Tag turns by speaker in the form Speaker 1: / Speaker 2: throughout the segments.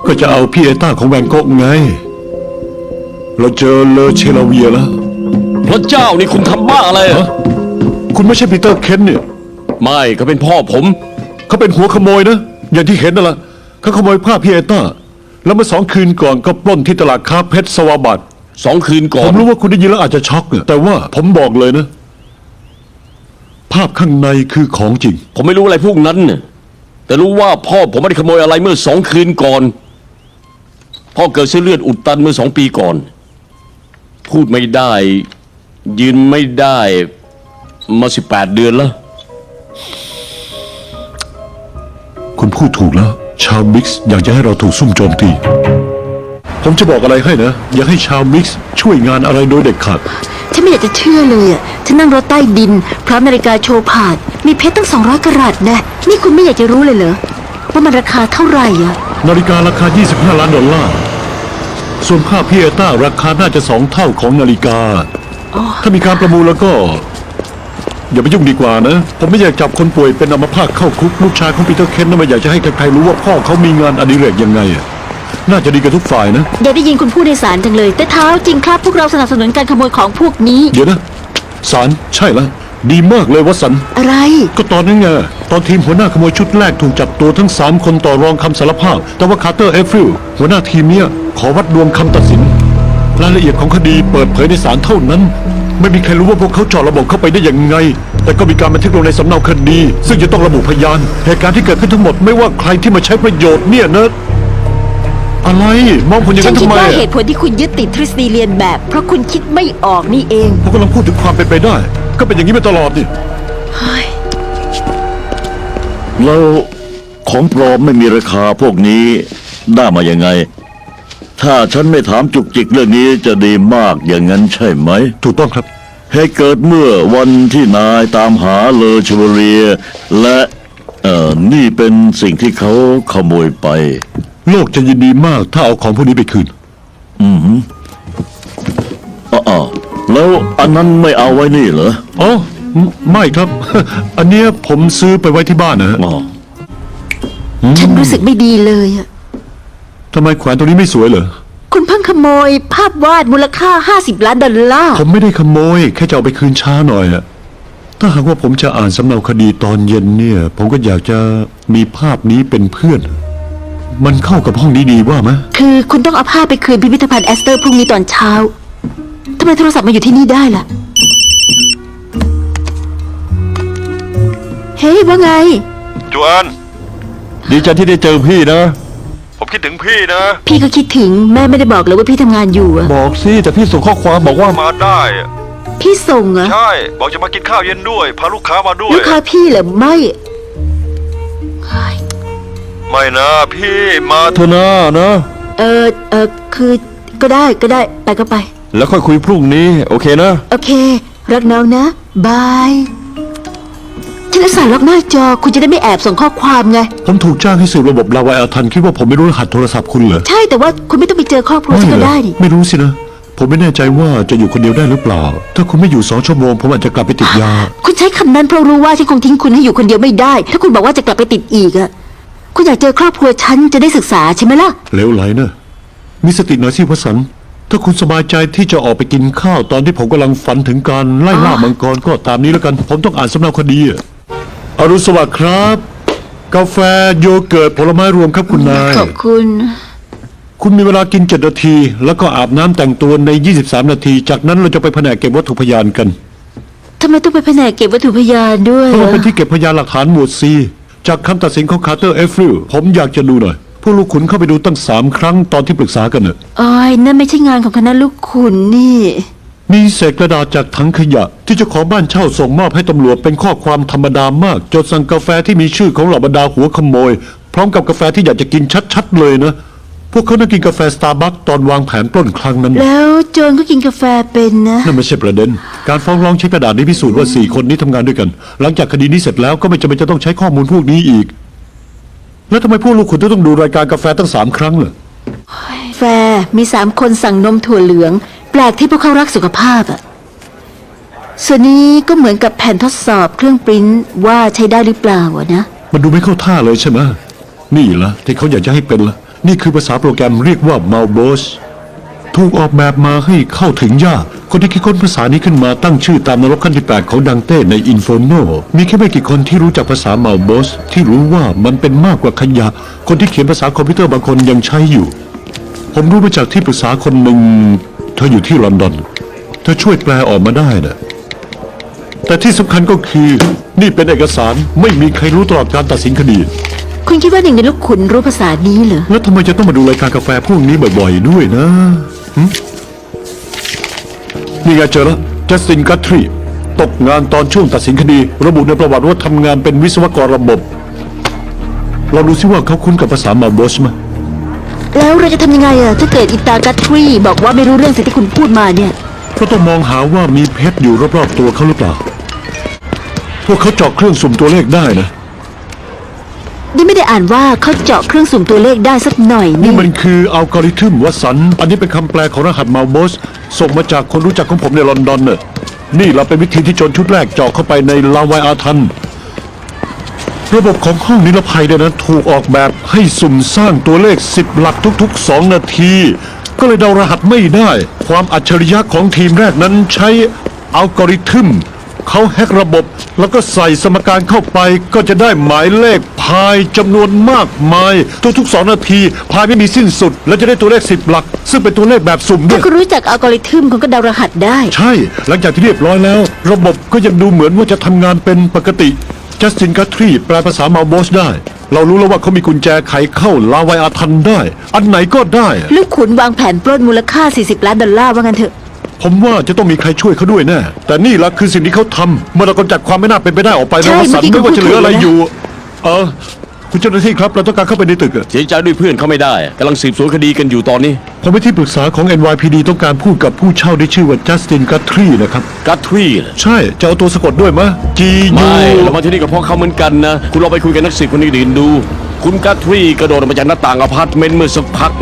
Speaker 1: ก็จะเอาพี่เอต้าของแวนโก๊กไงเราเจอเลอเชลาเวียแล้ว
Speaker 2: พระเจ้านี่คุณทำบ้าอะไร
Speaker 1: ฮะคุณไม่ใช่ปีเตอร์เคนเนี่ย
Speaker 2: ไม่เขาเป็นพ่อผม
Speaker 1: เขาเป็นหัวขโมยนะอย่างที่เห็นนั่นแหละเขาขโมยผ้าพี่เอต้าแล้วเมื่อ2 คืนก่อนก็ปล้นที่ตลาดค้าเพชรสวาบัต
Speaker 2: 2 คืนก่อน
Speaker 1: ผมรู้ว่าคุณได้ยินแล้วอาจจะช็อกเนี่ยแต่ว่าผมบอกเลยนะภาพข้างในคือของจริง
Speaker 2: ผมไม่รู้อะไรพวกนั้นเนี่ยแต่รู้ว่าพ่อผมไม่ได้ขโมยอะไรเมื่อ2 คืนก่อนพ่อเกิดเส้นเลือดอุดตันเมื่อ2 ปีก่อนพูดไม่ได้ยืนไม่ได้มา18 เดือนแล้ว
Speaker 1: คุณพูดถูกแล้วชาวมิกซ์อยากจะให้เราถูกซุ่มโจมตีผมจะบอกอะไรให้นะอย่าให้ชาวมิกซ์ช่วยงานอะไรโดยเด็ดขาด
Speaker 3: ฉันไม่อยากจะเชื่อเลยอ่ะฉันนั่งรถใต้ดินพร้อมนาฬิกาโชว์ผ่านมีเพชรตั้ง200 กะรัตนะนี่คุณไม่อยากจะรู้เลยเหรอว่ามันราคาเท่าไหร่อ่ะ
Speaker 1: นาฬิการาคา$25 ล้านส่วนผ้าพี่เอต้าราคาน่าจะ2 เท่าของนาฬิกาถ้ามีการประมูลแล้วก็อย่าไปยุ่งดีกว่านะผมไม่อยากจับคนป่วยเป็นอัมพาตเข้าคุกลูกชายของปีเตอร์เคนน่ะไม่อยากจะให้ใครๆรู้ว่าพ่อเขามีงานอดิเรกยังไงน่าจะดีกับทุกฝ่ายนะ
Speaker 3: อยากได้ยินคุณพูดในศาลจังเลยแต่เท้าจริงครับพวกเราสนับสนุนการขโมยของพวกนี้
Speaker 1: เดี๋ยวนะศาลใช่แล้วดีมากเลยวัสัน
Speaker 3: อะไร
Speaker 1: ก็ตอนนั้นไงตอนทีมหัวหน้าขโมยชุดแรกถูกจับตัวทั้ง3 คนต่อรองคำสารภาพแต่ว่าคาร์เตอร์เอฟริลหัวหน้าทีมเนี้ยขอวัดดวงคำตัดสินรายละเอียดของคดีเปิดเผยในศาลเท่านั้นไม่มีใครรู้ว่าพวกเขาเจาะระบบเข้าไปได้ยังไงแต่ก็มีการบันทึกลงในสำเนาคดีซึ่งจะต้องระบุพยานเหตุการณ์ที่เกิดขึ้นทั้งหมดไม่ว่าใครที่มาใช้ประโยชน์เนี่ยนะอะไรมองผมอย่างนั้นทำไม
Speaker 3: ฉันคิดว่าเหตุผลที่คุณยึดติดทฤษฎีเรียนแบบเพราะคุณคิดไม่ออกนี่เอง
Speaker 1: ผมกำลังพูดถึงความเป็นไปได้ก็เป็นอย่างนี้มาตลอดนี่
Speaker 4: แล้วของปลอมไม่มีราคาพวกนี้ได้มายังไงถ้าฉันไม่ถามจุกจิกเรื่องนี้จะดีมากอย่างนั้นใช่ไหม
Speaker 1: ถูกต้องครับ
Speaker 4: เหตุเกิดเมื่อวันที่นายตามหาเลอชวเรียและนี่เป็นสิ่งที่เขาขโมยไป
Speaker 1: โลกจะยินดีมากถ้าเอาของพวกนี้ไปคืน
Speaker 4: แล้วอันนั้นไม่เอาไว้นี่เหรอ
Speaker 1: อ๋อไม่ครับอันเนี้ยผมซื้อไปไว้ที่บ้านนะ
Speaker 3: ฉันรู้สึกไม่ดีเลยอะ
Speaker 1: ทำไมแขวนตัวนี้ไม่สวยเหรอ
Speaker 3: คุณเพิ่งขโมยภาพวาดมูลค่า$50 ล้าน
Speaker 1: ผมไม่ได้ขโมยแค่จะเอาไปคืนช้าหน่อยอะถ้าหากว่าผมจะอ่านสำเนาคดีตอนเย็นเนี่ยผมก็อยากจะมีภาพนี้เป็นเพื่อนมันเข้ากับห้องนี้ดีว่าไหม
Speaker 3: คือคุณต้องเอาภาพไปคืนพิพิธภัณฑ์แอสเตอร์พรุ่งนี้ตอนเช้าทำไมโทรศัพท์มาอยู่ที่นี่ได้ล่ะเฮ้ยว่าไง
Speaker 5: จวน
Speaker 2: ดีใจที่ได้เจอพี่นะ
Speaker 5: ผมคิดถึงพี่นะ
Speaker 3: พี่ก็คิดถึงแม่ไม่ได้บอกเลยว่าพี่ทำงานอยู่อะ
Speaker 2: บอกสิแต่พี่ส่งข้อความบอกว่า
Speaker 5: มาได้
Speaker 3: พี่ส่งเหรอ
Speaker 5: ใช่บอกจะมากินข้าวเย็นด้วยพาลูกค้ามาด้วย
Speaker 3: ลูกค้าพี่เหรอ
Speaker 5: ไม่นะพี่มา
Speaker 2: เธอนะ
Speaker 3: คือก็ได้ไปก็ไป
Speaker 2: แล้วค่อยคุยพรุ่งนี้โอเคนะ
Speaker 3: โอเครักน้องนะบายฉันจะสั่งล็อกหน้าจอคุณจะได้ไม่แอบส่งข้อความไง
Speaker 1: ผมถูกจ้างให้สืบระบบลาวาอัลทันคิดว่าผมไม่รู้รหัสโทรศัพท์คุณเหรอ
Speaker 3: ใช่แต่ว่าคุณไม่ต้องไปเจอครอบครัวฉันก็ได้ดิ
Speaker 1: ไม่รู้สินะผมไม่แน่ใจว่าจะอยู่คนเดียวได้หรือเปล่าถ้าคุณไม่อยู่2 ชั่วโมงผมอาจจะกลับไปติดยา
Speaker 3: คุณใช้คำนั้นเพราะรู้ว่าฉันคงทิ้งคุณให้อยู่คนเดียวไม่ได้ถ้าคุณบอกว่าจะกลับไปติดอีกอะคุณอยากเจอครอบครัวฉันจะได้ศึกษาใช่ไหมล่ะ
Speaker 1: เลวไหลนะมีสติหน่อยสิวสันต์ถ้าคุณสบายใจที่จะออกไปกินข้าวตอนที่ผมกำลังฝันถึงการไล่ล่ามังกรก็ตามนี้แล้วกันผมต้องอ่านสำเนาคดีอรุณสวัสดิ์ครับกาแฟโยเกิร์ตผลไม้รวมครับคุณนาย
Speaker 3: ขอบคุณ
Speaker 1: มีเวลากิน7 นาทีแล้วก็อาบน้ำแต่งตัวใน23 นาทีจากนั้นเราจะไปแผนกเก็บวัตถุพยานกัน
Speaker 3: ทำไมต้องไปแผนกเก็บวัตถุพยานด้วย
Speaker 1: เพราะเป็นที่เก็บพยานหลักฐานหมวด C จากคำตัดสินของคาร์เตอร์เอฟริลผมอยากจะดูหน่อยพวกลูกขุนเข้าไปดูตั้ง3 ครั้งตอนที่ปรึกษากันเนอะ
Speaker 3: นั่นไม่ใช่งานของคณะลูกขุนนี่
Speaker 1: มีเศษกระดาษจากถังขยะที่เจ้าของบ้านเช่าส่งมอบให้ตำรวจเป็นข้อความธรรมดามากจดสั่งกาแฟที่มีชื่อของเหล่าบรรดาหัวขโมยพร้อมกับกาแฟที่อยากจะกินชัดๆเลยนะพวกเขานั่งกินกาแฟสตาร์บัคตอนวางแผนปล้นครั้งนั้น
Speaker 3: แล้วโจรก็กินกาแฟเป็นนะ
Speaker 1: นั่นไม่ใช่ประเด็นการฟ้องร้องใช้กระดาษนี้พิสูจน์ว่า4 คนนี้ทำงานด้วยกันหลังจากคดีนี้เสร็จแล้วก็ไม่จำเป็นจะต้องใช้ข้อมูลพวกนี้อีกแล้วทำไมพวกลูกขุนต้องดูรายการกาแฟตั้ง3 ครั้งล่ะ
Speaker 3: แฟมี3 คนสั่งนมถั่วเหลืองแปลกที่พวกเขารักสุขภาพส่วนนี้ก็เหมือนกับแผ่นทดสอบเครื่องปริ้นว่าใช้ได้หรือเปล่านะ
Speaker 1: มันดูไม่เข้าท่าเลยใช่ไหมนี่ละที่เขาอยากจะให้เป็นละนี่คือภาษาโปรแกรมเรียกว่า Malbos ถูกออกแบบมาให้เข้าถึงยาก คนที่คิดค้นภาษานี้ขึ้นมาตั้งชื่อตามนรกขั้นที่8ของดังเต้ใน Inferno มีแค่ไม่กี่คนที่รู้จักภาษา Malbos ที่รู้ว่ามันเป็นมากกว่าขยะ คนที่เขียนภาษาคอมพิวเตอร์บางคนยังใช้อยู่ ผมรู้มาจากที่ปรึกษาคนหนึ่งเธออยู่ที่ลอนดอนเธอช่วยแปลออกมาได้นะแต่ที่สำคัญก็คือนี่เป็นเอกสารไม่มีใครรู้ตลอดการตัดสินคดี
Speaker 3: คุณคิดว่าหนึ่งในลูกขุนรู้ภาษานี้เหรอ
Speaker 1: แล้วทำไมจะต้องมาดูรายการกาแฟพวกนี้บ่อยๆด้วยนะหึนี่ไงเจอแล้วจัสตินกัตทรีตกงานตอนช่วงตัดสินคดี ระบุในประวัติว่าทำงานเป็นวิศวกรระบบ เราดูซิว่าเขาคุ้นกับภาษามาโบสไหม
Speaker 3: แล้วเราจะทำยังไงอะถ้าเกิดอิตากัตทรีบอกว่าไม่รู้เรื่องสิ่งที่คุณพูดมาเนี่ย
Speaker 1: ก็ต้องมองหาว่ามีเพชรอยู่รอบๆตัวเขาหรือเปล่า พวกเขาเจาะเครื่องสุ่มตัวเลขได้นะ
Speaker 3: นี่ไม่ได้อ่านว่าเขาเจาะเครื่องสุ่มตัวเลขได้สักหน่อย
Speaker 1: นี่
Speaker 3: นี่
Speaker 1: มันคืออัลกอริทึมวัตสัน อันนี้เป็นคำแปลของรหัสมาโบสส่งมาจากคนรู้จักของผมในลอนดอนน่ะนี่เราเป็นวิธีที่โจรชุดแรกเจาะเข้าไปในลาวายอาทัน ระบบของห้องนิรภัยเนี่ยนะถูกออกแบบให้สุ่มสร้างตัวเลข10หลักทุกๆ2นาที ก็เลยเดารหัสไม่ได้ ความอัจฉริยะของทีมแรกนั้นใช้อัลกอริทึมเขาแฮกระบบแล้วก็ใส่สมการเข้าไปก็จะได้หมายเลขพายจำนวนมากมายทุกๆ2นาทีพายไม่มีสิ้นสุด แล้วจะได้ตัวเลข10หลัก ซึ่งเป็นตัวเลขแบบสุ่มด้ว
Speaker 3: ถ้าย คุณรู้จักอัลกอริทึมคุณก็เดารหัสได้
Speaker 1: ใช่ หลังจากที่เรียบร้อยแล้ว ระบบก็ยังดูเหมือนว่าจะทำงานเป็นปกติจัสตินกัตทรีแปลภาษามาโบสได้ เรารู้แล้วว่าเขามีกุญแจไขเข้าลาวายอาทันได้ อันไหนก็ได้
Speaker 3: ลูกขุนวางแผนปล้นมูลค่า$40 ล้านว่างั้นเถอะ
Speaker 1: ผมว่าจะต้องมีใครช่วยเขาด้วยแน่ แต่นี่ละคือสิ่งที่เขาทำเมื่อเรากำจัดความไม่น่าเป็นไปได้ออกไป
Speaker 3: ใช่
Speaker 1: นะวสันต์
Speaker 3: เมื่
Speaker 1: ไม่
Speaker 3: อกี้
Speaker 1: ว่าจะเหลืออะไร
Speaker 3: คุณพูดถูกนะ
Speaker 1: อยู่ คุณเจ้าหน้าที่ครับ เราต้องการเข้าไปในตึกอะ
Speaker 2: เสียใจด้วยเพื่อนเขาไม่ได้กำลังสืบสวนคดีกันอยู่ตอนนี้
Speaker 1: ผมเป็นที่ปรึกษาของ NYPD ต้องการพูดกับผู้เช่าที่ชื่อว่าจัสตินกัตทรีนะครับ
Speaker 2: กัตทรีเหรอ
Speaker 1: ใช่ จะเอาตัวสะกดด้วยมะ G U
Speaker 2: ไม่เรามาที่นี่ก็เพราะเขาเหมือนกันนะ คุณลองไปคุยกับนักสืบคนอื่นๆดู คุณกัตทรีกระโดดออกมาจากหน้าต่างอพาร์ตเมนต์เมื่อสักพัก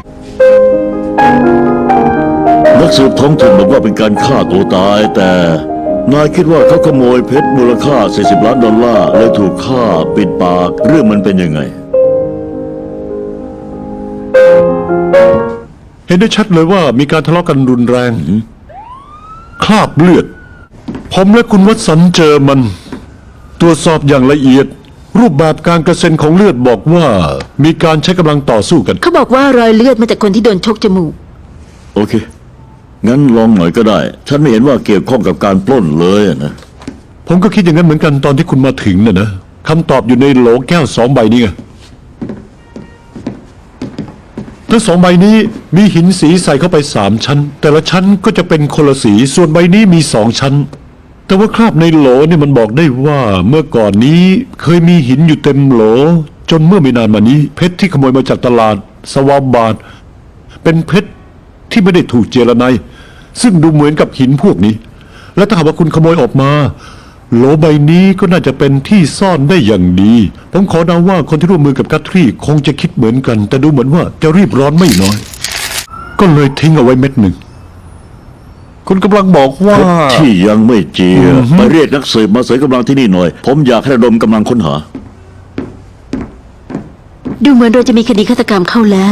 Speaker 4: นักสืบท้องถิ่นบอกว่าเป็นการฆ่าตัวตาย แต่นายคิดว่าเขาขโมยเพชรมูลค่า$40 ล้านเลยถูกฆ่าปิดปากเรื่องมันเป็นยังไง
Speaker 1: เห็นได้ชัดเลยว่ามีการทะเลาะกันรุนแรง คราบเลือด ผมและคุณวัตสันต์เจอมัน ตรวจสอบอย่างละเอียด รูปแบบการกระเซ็นของเลือดบอกว่า มีการใช้กำลังต่อสู้กัน
Speaker 3: เขาบอกว่ารอยเลือดมาจากคนที่โดนชกจมูก
Speaker 4: โอเค งั้นลองหน่อยก็ได้ ฉันไม่เห็นว่าเกี่ยวข้องกับการปล้นเลยอะนะ
Speaker 1: ผมก็คิดอย่างนั้นเหมือนกันตอนที่คุณมาถึงน่ะนะคำตอบอยู่ในโหลแก้ว2 ใบนี้ไงทั้ง2 ใบนี้มีหินสีใส่เข้าไป3 ชั้น แต่ละชั้นก็จะเป็นคนละสี ส่วนใบนี้มี2 ชั้น แต่ว่าคราบในโหลเนี่ยมันบอกได้ว่าเมื่อก่อนนี้เคยมีหินอยู่เต็มโหล จนเมื่อไม่นานมานี้เพชรที่ขโมยมาจากตลาดสวาบาดเป็นเพชรที่ไม่ได้ถูกเจรไนน์ซึ่งดูเหมือนกับหินพวกนี้ และถ้าหากว่าคุณขโมยออกมา โหลใบนี้ก็น่าจะเป็นที่ซ่อนได้อย่างดี ผมขอเดาว่าคนที่ร่วมมือกับกัตทรีคงจะคิดเหมือนกัน แต่ดูเหมือนว่าจะรีบร้อนไม่น้อย ก็เลยทิ้งเอาไว้เม็ดหนึ่ง คุณกำลังบอกว่า
Speaker 4: เพชรที่ยังไม่เจียไปเรียกนักสืบมาเสริมกำลังที่นี่หน่อย ผมอยากให้ระดมกำลังค้นหา
Speaker 3: ดูเหมือนเราจะมีคดีฆาตกรรมเข้าแล้ว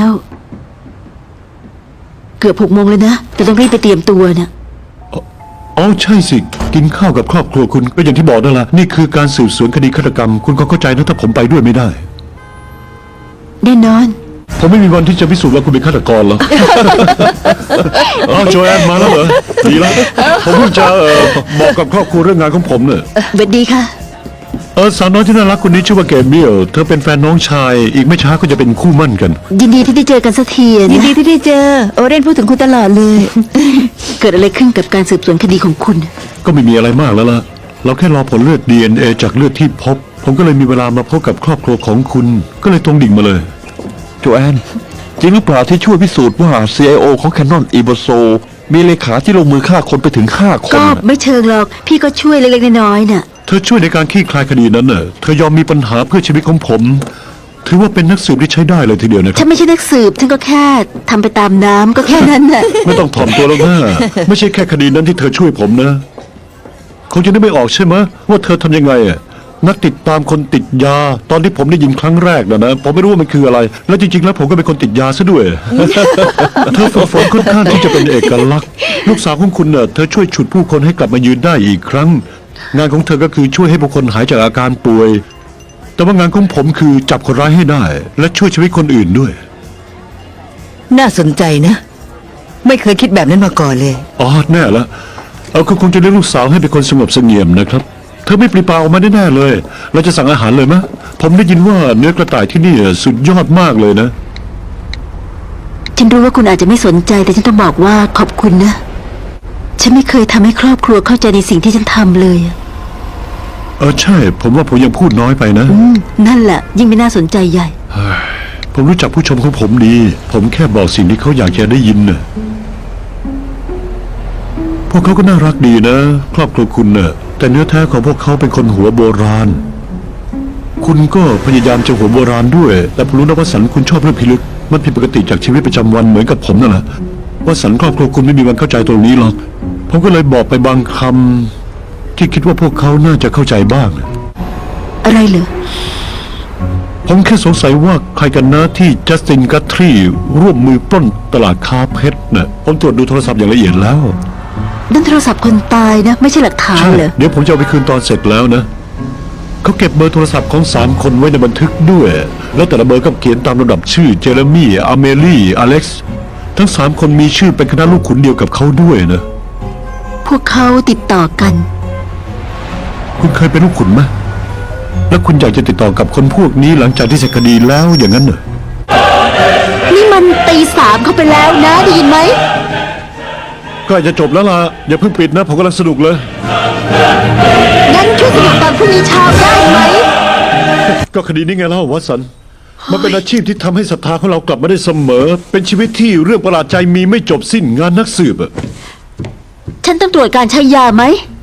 Speaker 3: เกือบ6 โมงเลยนะ แต่ต้องรีบไปเตรียมตัวนะ
Speaker 1: อ๋อใช่สิ กินข้าวกับครอบครัวคุณก็อย่างที่บอกนั่นแหละนี่คือการสืบสวนคดีฆาตกรรม คุณก็เข้าใจนะถ้าผมไปด้วยไม่ได้
Speaker 3: แน่นอน
Speaker 1: ผมไม่มีวันที่จะพิสูจน์ว่าคุณเป็นฆาตกรหรอก อ๋อโจแอนมาแล้วเหรอดีแล้วผมเพิ่งจะบอกกับครอบครัวเรื่องงานของผมเนี่ย
Speaker 3: สวัสดีค่ะ
Speaker 1: สาวน้อยที่น่ารักคนนี้ชื่อว่าเกมเบียลเธอเป็นแฟนน้องชาย อีกไม่ช้าก็จะเป็นคู่หมั่นกัน
Speaker 3: ยินดีที่ได้เจอกันสักทีอะ
Speaker 6: ยิน
Speaker 3: นะ
Speaker 6: ดีที่ได้เจอ โอเรนพูดถึงคุณตลอดเลย
Speaker 3: เกิดอะไรขึ้นกับการสืบสวนคดีของคุณ
Speaker 1: ก็ไม่มีอะไรมากแล้วล่ะ เราแค่รอผลเลือด DNA จากเลือดที่พบ ผมก็เลยมีเวลามาพบกับครอบครัวของคุณ ก็เลยตรงดิ่งมาเลย
Speaker 7: โจแอน จริงหรือเปล่าที่ช่วยพิสูจน์ว่า CIO ของ Canon e b o s o มีเลขาที่ลงมือฆ่าคนไปถึง5 คน
Speaker 3: ก็
Speaker 7: น่ะ
Speaker 3: ไม่เชิงหรอก พี่ก็ช่วยเล็กๆน้อยๆน่ะ
Speaker 1: เธอช่วยในการคลี่คลายคดีนั้นน่ะ เธอยอมมีปัญหาเพื่อชีวิตของผม ถือว่าเป็นนักสืบที่ใช้ได้เลยทีเดียวนะค
Speaker 3: ฉั
Speaker 1: รับ
Speaker 3: นไม่ใช่นักสืบ ฉันก็แค่ทำไปตามน้ำก็แค่นั้นน่ะ
Speaker 1: ไม่ต้องถ่อมตัวแล้วนะไม่ใช่แค่คดีนั้นที่เธอช่วยผมนะคงจะนึกไม่ออกใช่ไหมว่าเธอทำยังไงอ่ะนักติดตามคนติดยา ตอนที่ผมได้ยินครั้งแรกนะผมไม่รู้ว่ามันคืออะไร แล้วจริงๆแล้วผมก็เป็นคนติดยาซะด้วย เธอฝึกฝนค่อนข้างที่จะเป็นเอกลักษณ์ลูกสาวของคุณเธอช่วยฉุดผู้คนให้กลับมายืนได้อีกครั้ง งานของเธอก็คือช่วยให้ผู้คนหายจากอาการป่วย แต่ว่างานของผมคือจับคนร้ายให้ได้ และช่วยชีวิตคนอื่นด้วย
Speaker 6: น่าสนใจนะ ไม่เคยคิดแบบนั้นมาก่อนเลย
Speaker 1: อ๋อแน่ละคุณคงจะเลี้ยงลูกสาวให้เป็นคนสงบเสงี่ยมนะครับ เธอไม่ปรีปาออกมาแน่ๆเลย เราจะสั่งอาหารเลยมะผมได้ยินว่าเนื้อกระต่ายที่นี่สุดยอดมากเลยนะ
Speaker 3: ฉันรู้ว่าคุณอาจจะไม่สนใจแต่ฉันต้องบอกว่าขอบคุณนะ ฉันไม่เคยทำให้ครอบครัวเข้าใจในสิ่งที่ฉันทำเลยอะ
Speaker 1: ใช่ ผมว่าผมยังพูดน้อยไปนะ
Speaker 3: นั่นแหละยิ่งไม่น่าสนใจใหญ่
Speaker 1: ผมรู้จักผู้ชมของผมดี ผมแค่บอกสิ่งที่เขาอยากจะได้ยินน่ะพวกเขาก็น่ารักดีนะ ครอบครัวคุณน่ะแต่เนื้อแท้ของพวกเขาเป็นคนหัวโบราณ คุณก็พยายามจะหัวโบราณด้วย แต่ผมรู้นะว่าสันคุณชอบเรื่องพิลึก มันผิดปกติจากชีวิตประจำวันเหมือนกับผมนั่นแหละว่าสันครอบครัวคุณไม่มีวันเข้าใจตรงนี้หรอก ผมก็เลยบอกไปบางคำที่คิดว่าพวกเขาน่าจะเข้าใจบ้างนะ
Speaker 3: อะไรเหรอ
Speaker 1: ผมแค่สงสัยว่าใครกันนะที่จัสตินกัตทรีร่วมมือปล้นตลาดค้าเพชรน่ะผมตรวจดูโทรศัพท์อย่างละเอียดแล้ว
Speaker 3: นั่นโทรศัพท์คนตายนะ ไม่ใช่หลักฐาน
Speaker 1: ใช่
Speaker 3: เหรอ
Speaker 1: เดี๋ยวผมจะเอาไปคืนตอนเสร็จแล้วนะเขาเก็บเบอร์โทรศัพท์ของ3 คนไว้ในบันทึกด้วย แล้วแต่ละเบอร์ก็เขียนตามลำดับชื่อเจเรมี่อเมลี่อเล็กซ์ทั้ง3 คนมีชื่อเป็นคณะลูกขุนเดียวกับเขาด้วยนะ
Speaker 3: พวกเขาติดต่อกัน
Speaker 1: คุณเคยเป็นลูกขุนไหมแล้วคุณอยากจะติดต่อกับคนพวกนี้หลังจากที่เสร็จคดีแล้วอย่างนั้นเหรอ
Speaker 3: นี่มัน3:00เข้าไปแล้วนะได้ยินไหม
Speaker 1: ใกล้จะจบแล้วล่ะอย่าเพิ่งปิดนะผมกำลังสนุกเลย
Speaker 3: งั้นช่วยสรุปตอนพรุ่งนี้เช้าได้ไหม
Speaker 1: ก็คดีนี้ไงเล่าวัตสันมันเป็นอาชีพที่ทำให้ศรัทธาของเรากลับมาได้เสมอ เป็นชีวิตที่เรื่องประหลาดใจมีไม่จบสิ้นงานนักสืบอะ
Speaker 3: ฉันต้องตรวจการใช้ยาไหม